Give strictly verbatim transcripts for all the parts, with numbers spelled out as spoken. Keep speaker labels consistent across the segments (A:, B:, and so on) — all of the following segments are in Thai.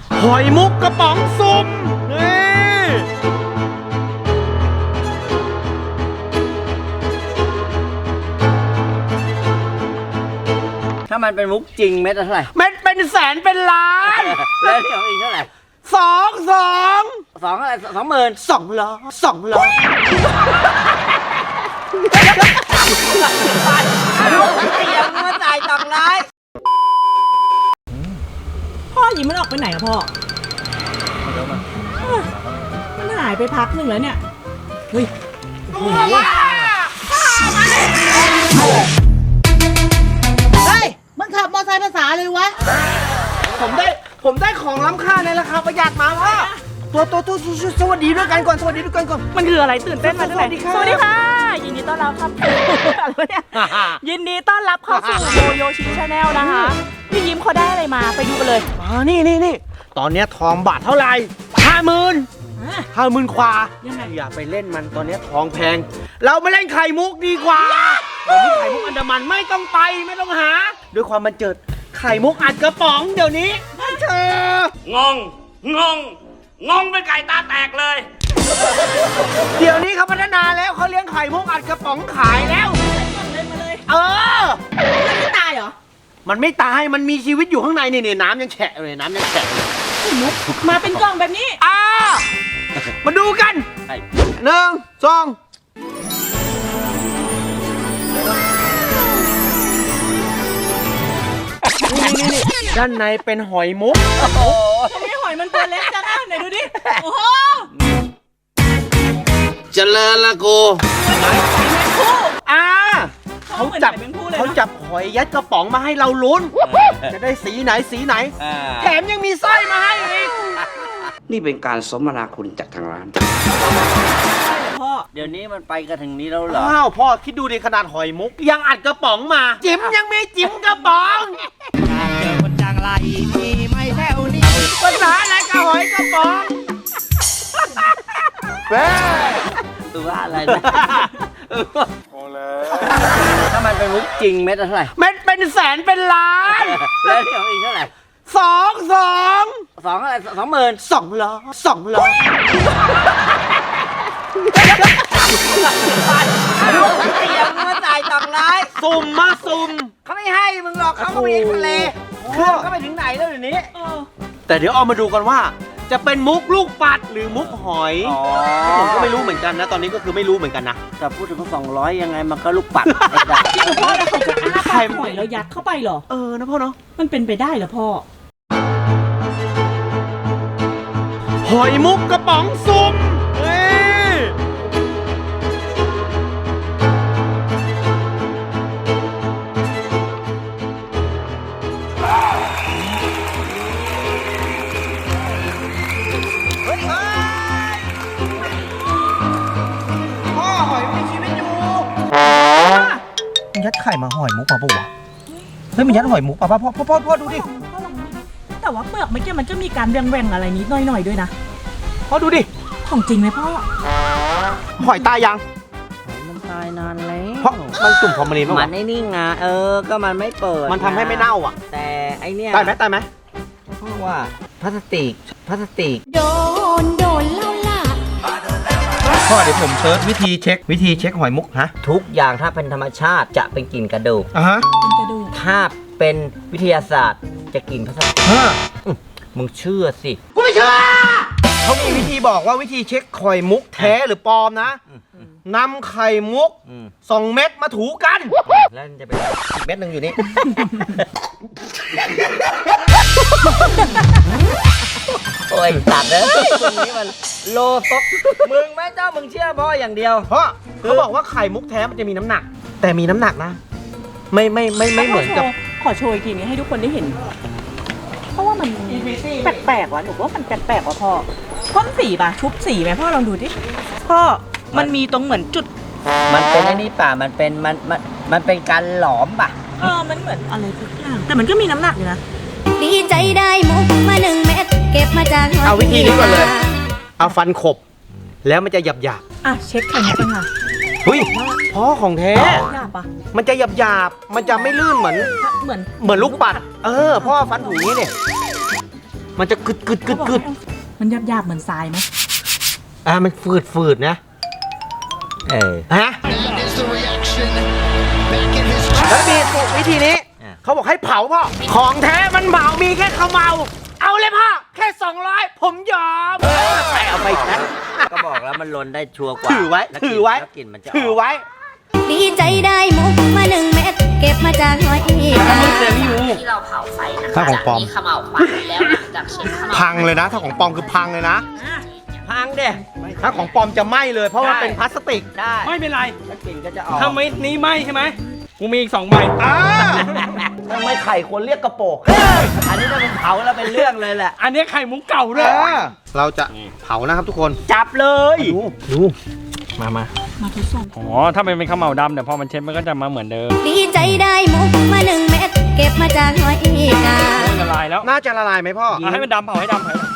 A: หอยมุกกระป๋องสุ่มนี่
B: ถ้ามันเป็นมุกจริงเม็ดละเท่าไหร่
A: เม็ดเป็นแสนเป็นล้าน
B: แล้วที่ของอีกเท่าไหร่
A: สองสอง
B: สองอะไรสองหมื่น
A: สองล้อสองล้อ
B: ยังมาจ่ายสองร้อย
C: พ่อยิ้มมันออกไปไหนอะพ่อมันหายไปพักหนึ่งแล้วเนี่ยเฮ้ยเฮ้ยมันขับมอเตอร์ไซค์ภาษาเลยวะ
A: ผมได้ผมได้ของล้ำค่าในราคาประหยัดมาพ่อตัวตัวตัวสวัสดีด้วยกันก่อนสวัสดีด้วยกันก่อน
C: มันคืออะไรตื่นเต้นมาด้วย
A: สวัสดีค่ะ
C: สวัสดีค่ะยินดีต้อนรับครับอะไรเนี่ยยินดีต้อนรับเข้าสู่โยโยชิชาแนลนะคะพี่ยิ้มเขาได้อะไรมาไปดูกันเลย
A: อ๋อนี่นี่นี่ตอนนี้ทองบาทเท่าไหร่ห้าหมื่นห้าหมื่นขวาอย่าไปเล่นมันตอนนี้ทองแพงเราไม่เล่นไข่มุกดีกว่าวันนี้ไข่มุกอันดามันไม่ต้องไปไม่ต้องหาด้วยความมันเจิดไข่มุกอัดกระป๋องเดี๋ยวนี้เธอง
D: งงงงงเป็นไก่ตาแตกเลย
A: เดี๋ยวนี้เขาพัฒนาแล้วเขาเลี้ยงไข่มุกอัดกระป๋องขายแล้วเออ
C: มันไม่ตายเหรอ
A: มันไม่ตายมันมีชีวิตอยู่ข้างในนี่น้ำยังแฉะเลยน้ำยังแฉะเลย
C: มาเป็นกล่องแบบนี้
A: อ่ามาดูกันหนึ่งสองนี่นี่นี่ด้านในเป็นหอยมุก
C: ทำไมหอยมันตัวเล็กจังอ่ะไหนดูดิโอ้โห
A: เจริญละกูอ่าเขาจับเขาจับหอยยัดกระป๋องมาให้เราลุ้นจะได้สีไหนสีไหนแถมยังมีสร้อยมาให้อีก
D: นี่เป็นการสมนาคุณจากทางร้าน
C: พ่อ
B: เดี๋ยวนี้มันไปกันถึงนี้แล้วเหรอ
A: อ้าวพ่อคิดดูในขนาดหอยมุกยังอัดกระป๋องมาจิ๋มยังมีจิ๋มกระป๋อง
B: เจอคนจังไรมีไม่แถวนี้
A: ภาษาอะไรกับหอยกระป๋องแม่
B: ตัวอะไรนะพอแล้วถ้ามันเป็นมุกจริงเม็ดละเท่าไหร่
A: เม็ดเป็นแสนเป็นล้าน
B: แล้วที่ของอีกเท่าไหร่
A: สองสอง
B: สองอะไรสองหมื่น
A: สองล้อสองล้อ
B: ยังมาจ่ายสองร้อย
A: สุ่มมาสุ่ม
B: เขาไม่ให้มึงหรอกเขาก็ไปทะเลเครื่องก็ไปถึงไหนแล้วเดี๋ยวนี้
A: แต่เดี๋ยวเอามาดูกันว่าจะเป็นมุกลูกปัดหรือมุกหอยผมก็ไม่รู้เหมือนกันนะตอนนี้ก็คือไม่รู้เหมือนกันนะ
B: แต่พูดถึงสองร้อยยังไงมันก็ลูกปัดไอ้
C: ด่าพ่อแล้วเขาจะอ้าปากหอยแล้วยัดเข้าไปเหรอ
A: เออนะพ่อเนาะ
C: มันเป็นไปได้เหรอพ่อ
A: หอยมุกกระป๋องสุ่มเฮ้ยพ่อหอยมีชีวิตอยู่มันยัดไข่มาหอยมุกมาปะวะเฮ้ยมันยัดหอยมุกป่ะพ่อพ่อพ่อพ่อดูดิ
C: แต่ว่าเปลือกเมื่อกี้มันก็มีการแหว่งๆอะไรนิดหน่อยๆด้วยนะ
A: พ่อดูดิ
C: ของจริงไหมพ่อ
A: หอยตายยัง
B: มันตายนานแล้ว
A: เพราะมันจุ่มฟอร์มาลีน
B: มันไอ้นี่ไงเออก็มันไม่เปิด
A: มันทำให้ไม่เน่าอ่ะ
B: แต่ไอเนี้ย
A: ตายไหมตายไหม
B: เพราะว่าพลาสติกพลาสติก
C: โดนโดนเล่าล่ะ
A: พ่อเดี๋ยวผมเซิร์ชวิธีเช็ควิธีเช็คหอยมุกฮะ
B: ทุกอย่างถ้าเป็นธรรมชาติจะเป็นกลิ่นกระดูก
A: อ่ะฮะ
C: กระดูก
B: ถ้าเป็นวิทยาศาสตร์จะกลิ่นพลาสติกมึงเชื่อสิ
A: กูไม่เชื่อเขามีวิธีบอกว่าวิธีเช็คไข่มุกแท้หรือปลอมนะนำไข่มุกสองเม็ดมาถูกัน
B: แล้วจะเป็นอีกเม็ดหนึ่งอยู่นี่โอ้ยตัดเลยตรงนี้มันโลฟกมึงแม่เจ้ามึงเชื่อพ่ออย่างเดียว
A: เพราะเขาบอกว่าไข่มุกแท้มันจะมีน้ำหนักแต่มีน้ำหนักนะไม่ไม่ไม่ไม่เหมือนกับ
C: ขอโชว์อีกทีนี้ให้ทุกคนได้เห็นเพราะว่ามันแปลกๆว่ะหนูว่ามันแปลกๆว่ะพ่อพ่นสีป่ะชุบสีไหมพ่อลองดูดิพ่อมันมีตรงเหมือนจุด
B: มันเป็นไอ้นี่ป่ะมันเป็นมันมันมันเป็นการหลอมป่ะ
C: เออมันเหมือนอะไรทุกอย่างแต่มันก็มีน้ำหนักอยู่นะ
E: ดีใจได้มุกมาหนึ่งเม็ดเก็บมาจาก
A: เอาวิธีนี้ก่อนเลยเอาฟันขบแล้วมันจะหยาบหยาบ
C: อ่ะเช็คไข่มุกกันค่ะ
A: เฮ้ยพ่อของแท้มันจะหยาบหยาบมันจะไม่ลื่นเหมือน
C: เหมือน
A: เหมือนลูกปัดเออพ่อฟันถูนี้เนี่ยมันจะกึดกึดกึดกึด
C: มันหยาบๆเหมือนทรายไหม
A: อ่ะมันฝืดฝืดนะ
B: เออ
A: ฮะแล้วมีวิธีนี้
B: อ่ะ
A: เขาบอกให้เผาพ่อของแท้มันเผามีแค่ขมเมาเอาเลยพ่อแค่สองร้อยผมยอมแต่เอาไปแค่
B: ก็บอกแล้วมันลนได้ชัวร์กว่า
A: ถือไว้
B: แล้
A: ถือไว้
B: แล้วกลิ่นมันจะก
A: ถือไว้
E: ดีใจได้มุกมาหนึ่งเม็ดเก็บมาจากหอยกา
F: ที่เราเผาไฟนะคะ
A: ถ้าของปลอม
F: จะมีเขม่าวควันแล้วหลังจากเช็ดเขม่าว
A: พังเลยนะ ถ้าของปลอมคือพังเลยนะ
B: พังเด้
A: ถ้าของปลอมจะไหม้เลย เพราะว่า
B: ได้
A: เป็นพลาสติก
B: ได้
G: ไม่เป็นไร
B: แล้วกลิ่นก็จะออก
G: ถ้าไม่นี้ไม่ใช่ไหมกูมีอีกสองใบ
A: อ่า
B: ทำไมไข่ควรเรียกกระโปกอันนี้ถ้าเป็นเผาแล้วเป็นเรื่องเลยแหละ
G: อันนี้ไข่มุกเก่าด้วย
A: เราจะเผานะครับทุกคน
B: จับเลย
A: ดูดู
G: มามา
C: มาทดสอบ
G: อ๋อ ถ้ามันเป็นข้าวเหมาดำเดี๋ยวพอมันเช็ดมันก็จะมาเหมือนเดิม
E: ดีใจได้มุกมาหนึ่งเม็ดเก็บมาจากหอยกา
G: โอ้ยละลายแล้ว
A: น่าจะละลายไหมพ่อ
G: เอาให้มันดำเผาให้ดำเผาให้ดำ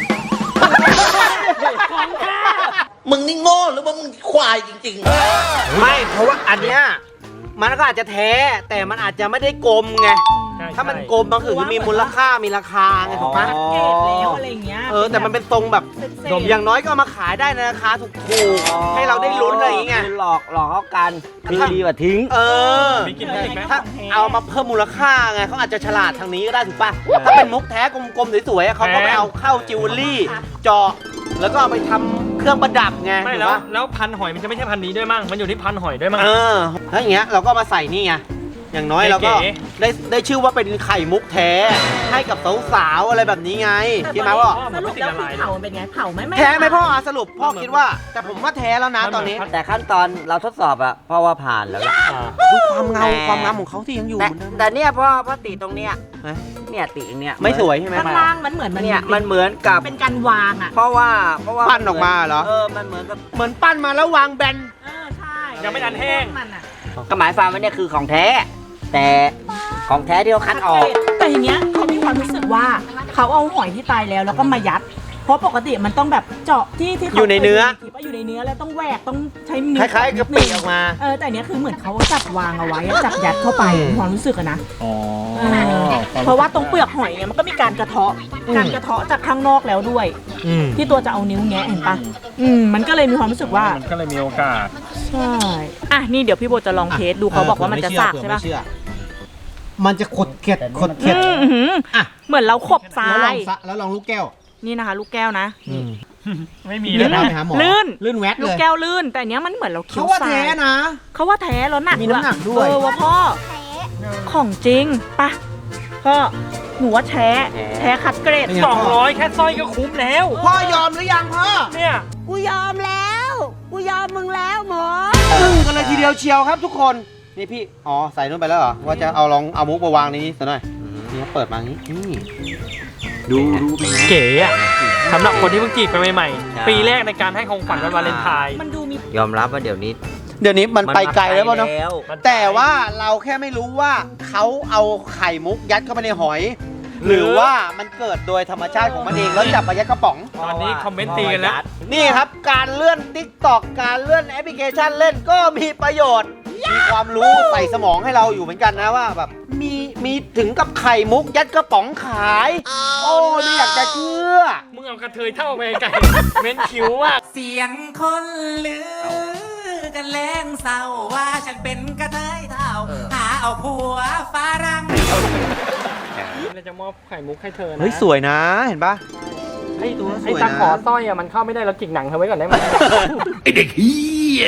H: มึงนี่โง่หรือว่ามึงควายจริงๆ
A: ไม่ เพราะว่าอันเนี้ยมันก็อาจจะแท้ แต่มันอาจจะไม่ได้กลมไง
G: ใช่
A: ถ้ามัน
G: ใช่
A: กลมบางคือมีมูลค่ามีราคาไงถูกปะ
C: เกรดแล้วอะไรอย่างเงี้ย
A: เออแต่มันเป็นทรงแบบ
C: เศษๆ
A: อย่างน้อยก็เอามาขายได้ในราคาถูกๆให้เราได้ลุ้นอะไรอย่างเงี้ย
B: คือหลอกหลอกเขากันคือดีกว่าทิ้ง
A: เออ
G: มีกินได้อีกไหม
A: ถ้าเอามาเพิ่มมูลค่าไงเขาอาจจะฉลาดทางนี้ก็ได้ถูกป่ะ ถ้าเป็นมุกแท้กลมๆสวยๆเขาก็ไปเอาเข้าจิวเวลรี่เจาะแล้วก็เอาไปทำเครื่องประดับไง
G: ไม่
A: ถูก
G: แล้ว
A: ปะ
G: แล้วพันหอยมันจะไม่ใช่พันนี้ด้วยมั้งมันอยู่ที่พันหอยด้วยมั้ง
A: เออถ้าอย่างเงี้ยเราก็มาใส่นี่ไงอย่างน้อยเราก็
G: เก๋
A: ได้ได้ชื่อว่าเป็นไข่มุกแท้ให้กับสาวๆอะไรแบบนี้ไงใช่ไหมพ่อ
C: สรุปแล้วคือเผามันเป็นไงเผาไหมไม่
A: แท้ไหมพ่ออ่ะสรุปพ่อคิดว่า แต่ผมว่าแท้แล้วนะตอนนี้
B: แต่ขั้นตอนเราทดสอบอะเพราะว่าผ่านแล้วล่ะ
G: อ่า
A: ดูความเงาความงามของเขาที่ยังอยู่
B: แต่
A: เหมือนเดิม
B: แต่เนี่ยพ่อพ่อติตรงเนี้ย
A: ฮะ
B: เนี่ยติอย่างเนี้ย
A: ไม่สวยใช่ไหม
C: ข้างล่างมันเหมือนมัน
B: เนี่ยมันเหมือนกับ
C: เป็นการวางอ่ะ
B: เพราะว่าเพราะว่า
A: ปั้นออกมาเหรอ
B: เออมันเหมือนกับ
A: เหมือนปั้นมาแล้ววางแบน
C: เออใช่
G: ยังไม่ทันแห้ง
C: มันอ่ะ
B: ก็หมายความว่าเนี่ยคือของแท้ แต่ของแท้ที่เขาคัดออก
C: แต่อย่างเงี้ยเขามีความรู้สึกว่าเขาเอาหอยที่ตายแล้วแล้วก็มายัด เพราะปกติมันต้องแบบเจาะที่ที่ขา
A: อยู่ในเนื้อ
C: คยดูคลิปว่าอยู่ในเนื้อแล้วต้องแหวกต้องใช้นิ้ว
A: คล้ายๆกระปิออกมา
C: เออแต่อันเนี้ยคือเหมือนเขาจับวางเอาไว้อะจับยัดเข้าไปมีความรู้สึกอะนะ
G: อ๋อ
C: เออเพราะว่าตรงเปลือกหอยเนี่ยมันก็มีการกระเทาะการกระเทาะจากข้างนอกแล้วด้วย
A: อืม
C: ที่ตัวจะเอานิ้วแงะเห็นปะอืมมันก็เลยมีความรู้สึกว่า
G: มันก็เลยมีโอกาส
C: ใช่อ่ะนี่เดี๋ยวพี่โบจะลองเทสดูเขาบอกว่ามันจะสากใช่ปะ
A: มันจะขดเกล็ดขดเกล็ด
C: อืมอื้อหือ
A: อ่ะ
C: เหมือนเราขบทรา
A: แล้วลอย งซะแล้วลองลูกแก้ว
C: นี่นะคะ ลูกแก้วนะ
G: ไม่มี
A: เลื่
G: แล้
A: อ
G: วน นะ
A: ไปหาหมอ
C: ลื่น
A: ลื่นแวด
C: ลู
A: เล
C: ก
A: ย
C: แก้วลื่น แต่อันเนี้ยมันเหมือนเราเคี้ย
A: เขา
C: ว
A: ว่า
C: ทราย
A: แท้นะ
C: เขาว่าแท้แล้วหนัก
A: มีน้ำหนักด้วย
C: เออว่าพ่อของจริงปะพ่อหนูว่าแท้แท้คัดเกรด
G: สองร้อยแค่สร้อยก็คุ้มแล้ว
A: พ่อยอมหรือยังพ่อ
G: เนี่ย
E: กูยอมแล้ว กูยอมมึงแล้วหมอ
A: ตึ้งกันเลยทีเดียวเชียวครับทุกคน นี่พี่ อ๋อ ใส่นู่นไปแล้วเหรอ ว่าจะเอาลองเอามุกมาวางในนี้ซะหน่อย นี่เขาเปิดมาอย่างนี้ นี่
B: ดูดูเป็นไง
G: เก๋อะสำหรับคนที่เพิ่งจีบกันใหม่
B: ใช่
G: ๆ ปีแรกในการให้ของขวัญวันวาเลนไทน์
C: มันดูมี
B: ยอมรับว่าเดี๋ยวนี้
A: เดี๋ยวนี้มันไปไกลแล้วป่ะเนาะ
B: แล้ว
A: แต่ว่าเราแค่ไม่รู้ว่าเขาเอาไข่มุกยัดเข้าไปในหอย หรือว่ามันเกิดโดยธรรมชาติของมันเองแล้วจับมายัดกระป๋อง
G: ตอนนี้คอมเมนต์ตีกันแล้ว
A: นี่ครับการเลื่อน ติ๊กตอก การเลื่อนแอปพลิเคชันเล่นก็มีประโยชน์ มีความรู้ใส่สมองให้เราอยู่เหมือนกันนะว่าแบบมีมีถึงกับไข่มุกยัดกระป๋องขาย โอ้ยไม่อยากจะเชื่อ
G: มึงเอากระเทยเท่าไปไกลเม้นคิ้วอะ
I: เสียงคนลือกันแรงเศร้าว่าฉันเป็นกระเทยเท่าหาเอาผัวฝรั่ง
G: เราจะมอบไข่มุกให้เธอนะ
A: เฮ้ยสวยนะเห็นปะ
G: ไอ้
A: ตัวส
G: ไอ้
A: วย
G: ตา
A: นะ
G: ขอสร้อยอะมันเข้าไม่ได้เราจิกหนังเธอไว้ก่อนได้ไหม
D: ไอเด็กเฮีย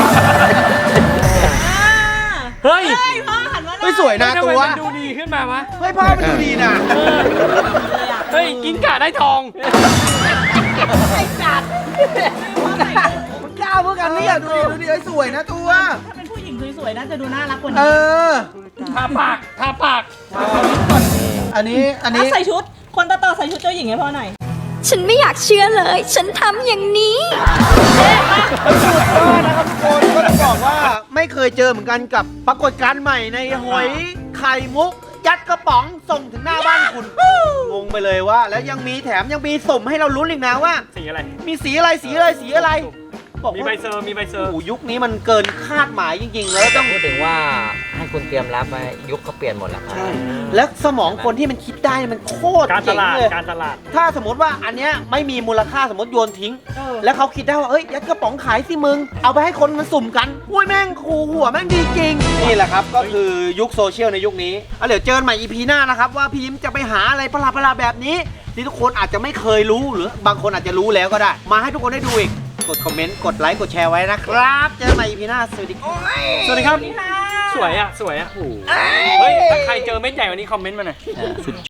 G: เฮ้ย
C: พ่อหันมาหน่
A: เฮ้
C: อย
A: ยสวยนะ
G: ทำ
A: ตั
G: ไม
A: ว
G: มันดูดีขึ้นมาวะ
A: เฮ้ยพ่อมันดูดีนะ
G: เฮ้ยกินกะได้ทอง
A: มันกล้าเพื่อกันเนี่ยดูดิดูดิเฮ้ยสวยนะตัว
C: ถ้าเป็นผู้หญิงสวยๆน่าจะดูน่ารักกว่า
A: เอ
C: นี้
A: อ
G: ทาปากทาปาก
A: อันนี้อันนี้
C: อ่ะใส่ชุด คนต่อๆใส่ชุดเจ้าหญิงให้พ่อหน่อย
E: ฉันไม่อยากเชื่อเลย ฉันทำอย่างนี้
A: ก็นะครับทุกคนก็ต้องบอกว่าไม่เคยเจอเหมือนกันกับปรากฏการณ์ใหม่ในหอยไข่มุก ยัดกระป๋องส่งถึงหน้าบ้านคุณ งงไปเลยว่า แล้วยังมีแถมยังมีสุ่มให้เราลุ้นอีกนะว่า
G: สีอะไร
A: มีสีอะไรสีอะไรสีอะไรบอก
G: มี
A: ว่า
G: ใบเซอร์มีใบเซอร์
A: โอ้โหยุคนี้มันเกินคาดหมายจริงๆ แล้ว
B: ต้
A: ต้
B: อ
A: อง ง
B: พูดถึงว่าให้คุณเตรียมรับไว้ยุคเขาเปลี่ยนหมดแล้วครับ
A: ใช่ แล้วสมองคนที่มันคิดได้มันโคตร
G: การต
A: เจ๋ง
G: ลาด
A: เลย
G: การตลาด
A: ถ้าสมมติว่าอันเนี้ยไม่มีมูลค่าสมมติโยนทิ้ง แล้วเขาคิดได้ว่าเอ้ยยัดกระป๋องขายสิมึง เอาไปให้คนมันสุ่มกันอุ้ยแม่งคูหัวแม่งดีจริง นี่แหละครับก็คือยุคโซเชียลในยุคนี้เอาเดี๋ยวเจอกันใหม่ อี พี หน้านะครับว่าพี่ยิ้มจะไปหาอะไรประหลาดๆแบบนี้ ที่ทุกคนอาจจะไม่เคยรู้หรือบางคนอาจจะรู้แล้วก็ได้ มาให้ทุกคนได้ดูอีกกดคอมเมนต์กดไลค์กดแชร์ไว้นะครับเจอกันใหม่ อี พี หน้าสวัสดีครับ
G: สวัสดีครับ สวยอ่ะ สวยอ่ะ เฮ้ย ถ้าใครเจอเม็ดใหญ่กวันนี้คอมเมนต์มาหน่อย